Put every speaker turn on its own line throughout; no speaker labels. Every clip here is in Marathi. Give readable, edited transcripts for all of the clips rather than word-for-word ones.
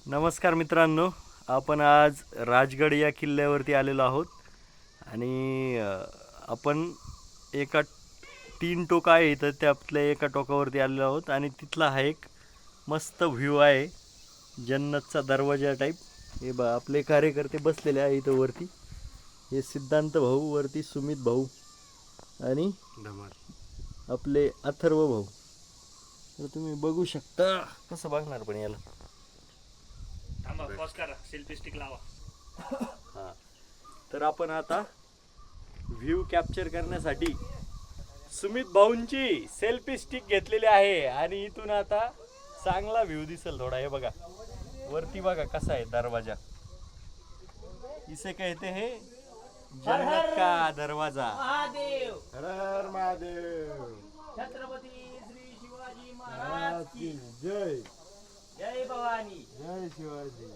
नमस्कार मित्रांनो, आपण आज राजगड या किल्ल्यावरती आलेलो आहोत आणि आपण एका 3 टोक आहे तर त्यातल्या एका टोकावरती आलेलो आहोत आणि तिथला हा एक मस्त व्ह्यू आहे जन्नतचा दरवाजा टाईप. हे बा आपले कार्यकर्ते बसलेले आहे इथं वरती. हे सिद्धांत भाऊ वरती, सुमित भाऊ आणि आपले अथर्व भाऊ. तर तुम्ही बघू शकता. कसं बघणार पण याला
सेल्फी स्टिक लावा.
हां, तर आपण आता व्ह्यू कॅप्चर करण्यासाठी सुमित भाऊंची सेल्फी स्टिक घेतलेली आहे आणि इथून आता चांगला व्ह्यू दिसेल थोडा. हे बघा वरती, बघा कसा आहे दरवाजा. इसे कहते हैं जन्नत का दरवाजा.
महादेव
हर हर महादेव.
छत्रपती श्री शिवाजी महाराज की
जय
जय भवानी.
जय शिवाजी.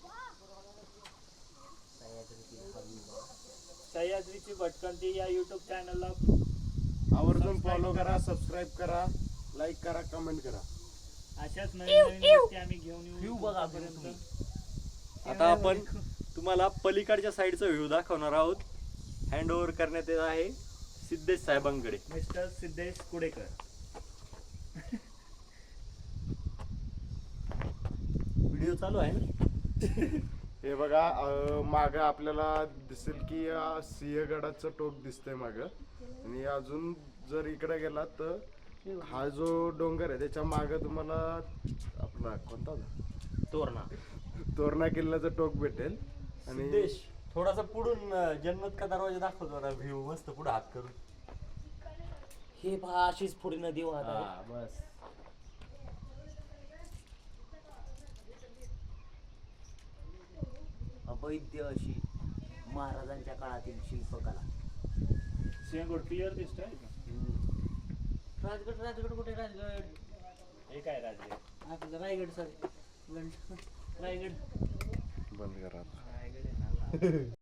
सह्याद्रीची भटकंती या युट्यूब चॅनलला
आवर्जून फॉलो करा, सबस्क्राईब करा, लाईक करा, कमेंट करा.
अशाच नवीन नवीन गोष्टी आम्ही घेऊन येऊ पर्यंत.
आता आपण तुम्हाला पलीकडच्या साईडचा व्ह्यू दाखवणार आहोत. हँड ओव्हर करण्यात येत आहे सिद्धेश साहेबांकडे.
मिस्टर सिद्धेश कुडेकर.
व्हिडिओ चालू आहे ना.
हे बघा माग आपल्याला दिसेल की सिंहगडाचं टोक दिसतंय माग. आणि अजून जर इकडे गेला तर हा जो डोंगर आहे त्याच्या माग तुम्हाला आपला कोणता तोरणा किल्ल्याचं टोक भेटेल. आणि
सिद्धेश थोडासा पुढून जन्नत का दरवाजा दाखव जरा. व्ह्यू मस्त पुढे हात करून.
हे पहा अशीच पुढे नदी वाहत आहे.
हा, बस.
अवैध अशी महाराजांच्या काळातील शिल्पकला.
सिंहगड क्लिअर दिसतोय.
राजगड राजगड कुठे राजगड?
हे काय राजगड?
आपलं रायगड सॉरी रायगड.
बंद करा.
रायगड आहे ना.